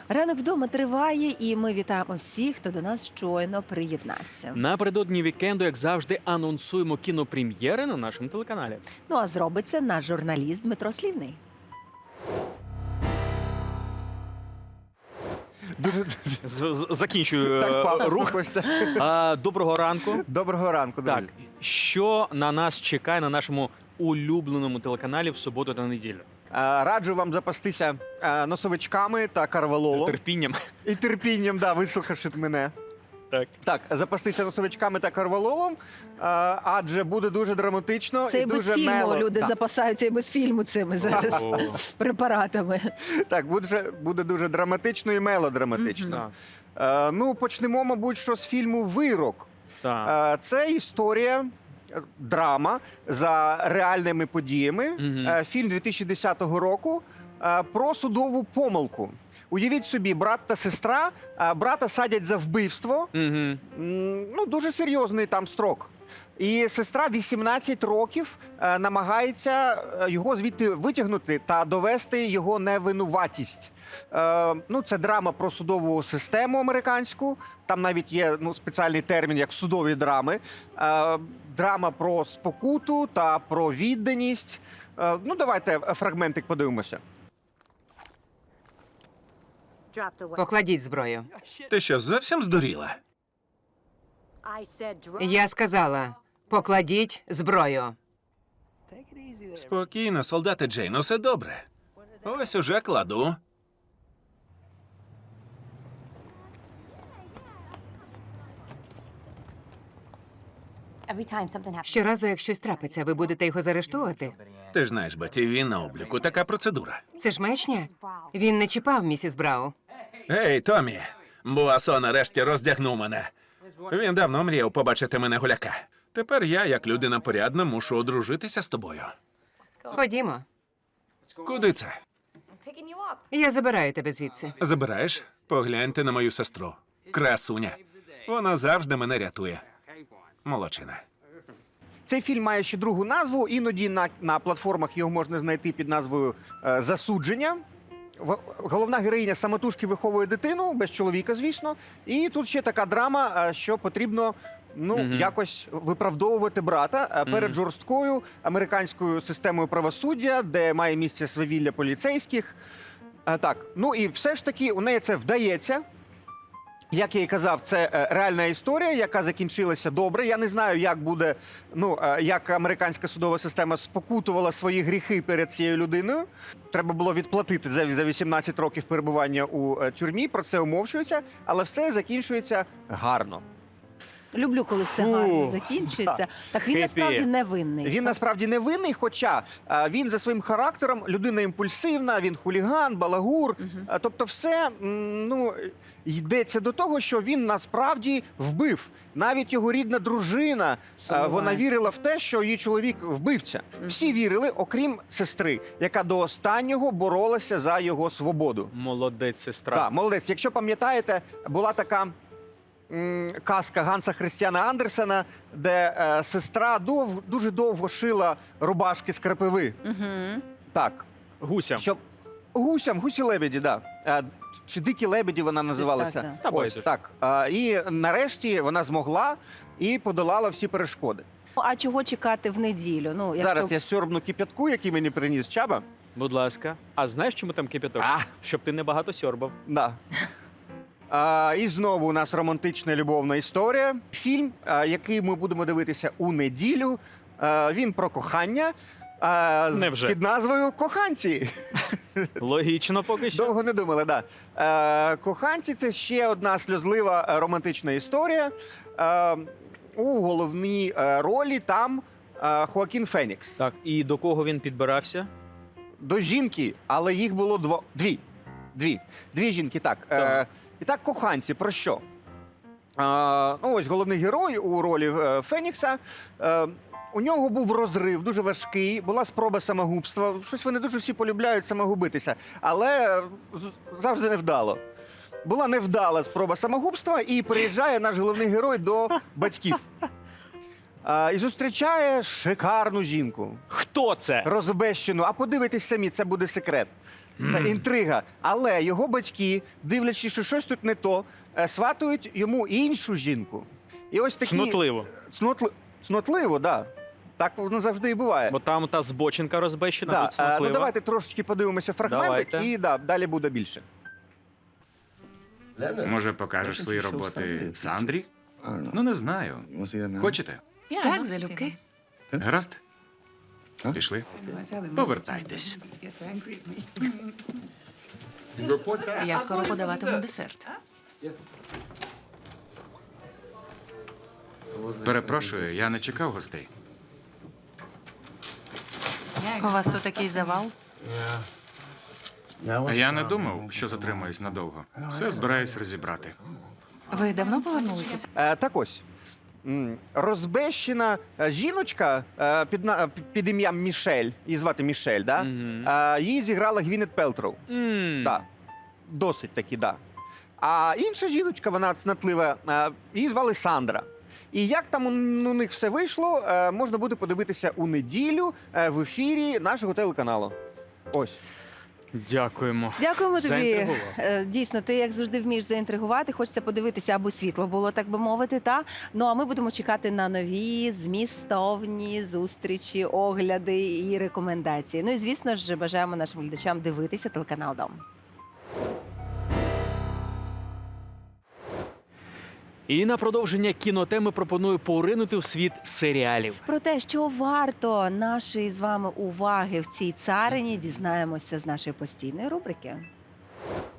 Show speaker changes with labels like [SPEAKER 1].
[SPEAKER 1] Ранок вдома триває, і ми вітаємо всіх, хто до нас щойно приєднався.
[SPEAKER 2] Напередодні вікенду, як завжди, анонсуємо кінопрем'єри на нашому телеканалі.
[SPEAKER 1] Ну а зробить це наш журналіст Дмитро Слівний.
[SPEAKER 2] Закінчую
[SPEAKER 3] Так пафосно,
[SPEAKER 2] рух.
[SPEAKER 3] Костя.
[SPEAKER 2] Доброго ранку.
[SPEAKER 3] Доброго ранку, друзі.
[SPEAKER 2] Так, що на нас чекає на нашому улюбленому телеканалі в суботу та неділю?
[SPEAKER 3] Раджу вам запастися носовичками та карвалолом.
[SPEAKER 2] Терпінням.
[SPEAKER 3] І терпінням, да, вислухавши мене.
[SPEAKER 2] Так.
[SPEAKER 3] Так, запастися носовичками та карвалолом, адже буде дуже драматично
[SPEAKER 1] Це і
[SPEAKER 3] і
[SPEAKER 1] без
[SPEAKER 3] дуже
[SPEAKER 1] фільму
[SPEAKER 3] мело.
[SPEAKER 1] люди
[SPEAKER 3] Да.
[SPEAKER 1] запасаються і без фільму цими зараз
[SPEAKER 2] О,
[SPEAKER 1] препаратами.
[SPEAKER 3] Так, буде дуже драматично і мелодраматично.
[SPEAKER 2] так,
[SPEAKER 3] Ну, почнемо, мабуть, що з фільму «Вирок».
[SPEAKER 2] так.
[SPEAKER 3] Це історія, драма за реальними подіями.
[SPEAKER 2] Мгм.
[SPEAKER 3] Фільм 2010 року про судову помилку. Уявіть собі, брат та сестра, брата садять за вбивство.
[SPEAKER 2] Мгм.
[SPEAKER 3] Ну, дуже серйозний там строк. І сестра 18 років намагається його звідти витягнути та довести його невинуватість. Ну, це драма про судову систему американську. Там навіть є спеціальний термін, як судові драми. Драма про спокуту та про відданість. Ну, давайте фрагментик подивимося.
[SPEAKER 4] Покладіть зброю.
[SPEAKER 5] Ти що, зовсім здуріла?
[SPEAKER 4] Я сказала, покладіть зброю.
[SPEAKER 5] Спокійно, солдати Джейн, усе добре. Ось уже кладу.
[SPEAKER 4] Щоразу, як щось трапиться, ви будете його заарештовувати?
[SPEAKER 5] Ти ж знаєш, Беті, він на обліку. Така процедура.
[SPEAKER 4] Це ж маячня. Він не чіпав місіс Брау.
[SPEAKER 5] Ей, Томі! Буасо нарешті роздягнув мене. Він давно мріяв побачити мене гуляка. Тепер я, як людина порядна, мушу одружитися з тобою.
[SPEAKER 4] Ходімо.
[SPEAKER 5] Куди це?
[SPEAKER 4] Я забираю тебе звідси.
[SPEAKER 5] Забираєш? Погляньте на мою сестру. Красуня. Вона завжди мене рятує. Молодчина.
[SPEAKER 3] Цей фільм має ще другу назву. Іноді на платформах його можна знайти під назвою «Засудження». Головна героїня самотужки виховує дитину, без чоловіка, звісно. І тут ще така драма, що потрібно якось виправдовувати брата перед жорсткою американською системою правосуддя, де має місце свавілля поліцейських. Так, ну і все ж таки у неї це вдається. Як я і казав, це реальна історія, яка закінчилася добре. Я не знаю, як буде, як американська судова система спокутувала свої гріхи перед цією людиною. Треба було відплатити за 18 років перебування у тюрмі, про це умовчується, але все закінчується гарно.
[SPEAKER 1] Люблю, коли все гарно закінчується. Так він
[SPEAKER 2] Хеппі.
[SPEAKER 1] насправді невинний.
[SPEAKER 3] Він насправді невинний, хоча він за своїм характером людина імпульсивна, він хуліган, балагур. Тобто все йдеться до того, що він насправді вбив. Навіть його рідна дружина, вона вірила в те, що її чоловік вбивця. Всі вірили, окрім сестри, яка до останнього боролася за його свободу.
[SPEAKER 2] Молодець, сестра.
[SPEAKER 3] Так, молодець. Якщо пам'ятаєте, була така казка Ганса Христіана Андерсена, де сестра дуже довго шила рубашки з крапиви. Так.
[SPEAKER 2] Гуся.
[SPEAKER 3] Гусі-лебеді, да. Чи дикі лебеді вона називалася.
[SPEAKER 1] так, да.
[SPEAKER 2] Та
[SPEAKER 3] Ось,
[SPEAKER 2] байдуже.
[SPEAKER 3] так. І нарешті вона змогла і подолала всі перешкоди.
[SPEAKER 1] А чого чекати в неділю? Ну, якщо...
[SPEAKER 3] Зараз я сьорбну кип'ятку, який мені приніс Чаба.
[SPEAKER 2] Будь ласка. А знаєш, чому там кипяток? Щоб ти не багато сьорбав.
[SPEAKER 3] Да. І знову у нас романтична любовна історія. Фільм, який ми будемо дивитися у неділю, він про кохання
[SPEAKER 2] Невже?
[SPEAKER 3] під назвою «Коханці».
[SPEAKER 2] Логічно поки що.
[SPEAKER 3] Довго не думали, так. Да. «Коханці» – це ще одна сльозлива романтична історія. У головній ролі там Хоакін Фенікс.
[SPEAKER 2] Так, і до кого він підбирався?
[SPEAKER 3] До жінки, але їх було дві жінки, так.
[SPEAKER 2] Так.
[SPEAKER 3] І так, «Коханці» про що? Ось головний герой у ролі Фенікса. У нього був розрив, дуже важкий, була спроба самогубства. Щось вони дуже всі полюбляють самогубитися, але завжди невдало. Була невдала спроба самогубства, і приїжджає наш головний герой до батьків. І зустрічає шикарну жінку.
[SPEAKER 2] Хто це?
[SPEAKER 3] Розбещену. А подивитись самі, це буде секрет. Та інтрига. Але його батьки, дивлячись, що щось тут не то, сватують йому іншу жінку. І ось такі...
[SPEAKER 2] Цнотливо.
[SPEAKER 3] Цнотливо, да. Так воно завжди і буває.
[SPEAKER 2] Бо там та збочинка розбещена,
[SPEAKER 3] Да,
[SPEAKER 2] тут цнотлива.
[SPEAKER 3] ну давайте трошечки подивимося фрагментик
[SPEAKER 2] Давайте.
[SPEAKER 3] і далі буде більше.
[SPEAKER 6] Може, покажеш свої роботи Сандрі? Ну, не знаю. Хочете?
[SPEAKER 4] Так, залюбки.
[SPEAKER 6] Гаразд? Пішли. Повертайтесь.
[SPEAKER 4] Я скоро подаватиму десерт.
[SPEAKER 6] Перепрошую, я не чекав гостей.
[SPEAKER 4] У вас тут такий завал?
[SPEAKER 6] А я не думав, що затримаюсь надовго. Все збираюсь розібрати.
[SPEAKER 4] Ви давно повернулися?
[SPEAKER 3] Так ось. Розбещена жіночка під ім'ям Мішель, її звати Мішель, да? Її зіграла Гвінет Пелтроу. Да. Досить таки, да. А інша жіночка, вона цнотлива, її звали Сандра. І як там у них все вийшло, можна буде подивитися у неділю в ефірі нашого телеканалу. Ось.
[SPEAKER 2] Дякуємо.
[SPEAKER 1] Дякуємо тобі.
[SPEAKER 2] Заінтригував.
[SPEAKER 1] Дійсно, ти як завжди вмієш заінтригувати. Хочеться подивитися, аби світло було, так би мовити. Та? Ну а ми будемо чекати на нові змістовні зустрічі, огляди і рекомендації. Ну і звісно ж, бажаємо нашим глядачам дивитися телеканал Дом.
[SPEAKER 2] І на продовження кінотеми пропоную поринути в світ серіалів.
[SPEAKER 1] Про те, що варто нашої з вами уваги в цій царині, дізнаємося з нашої постійної рубрики.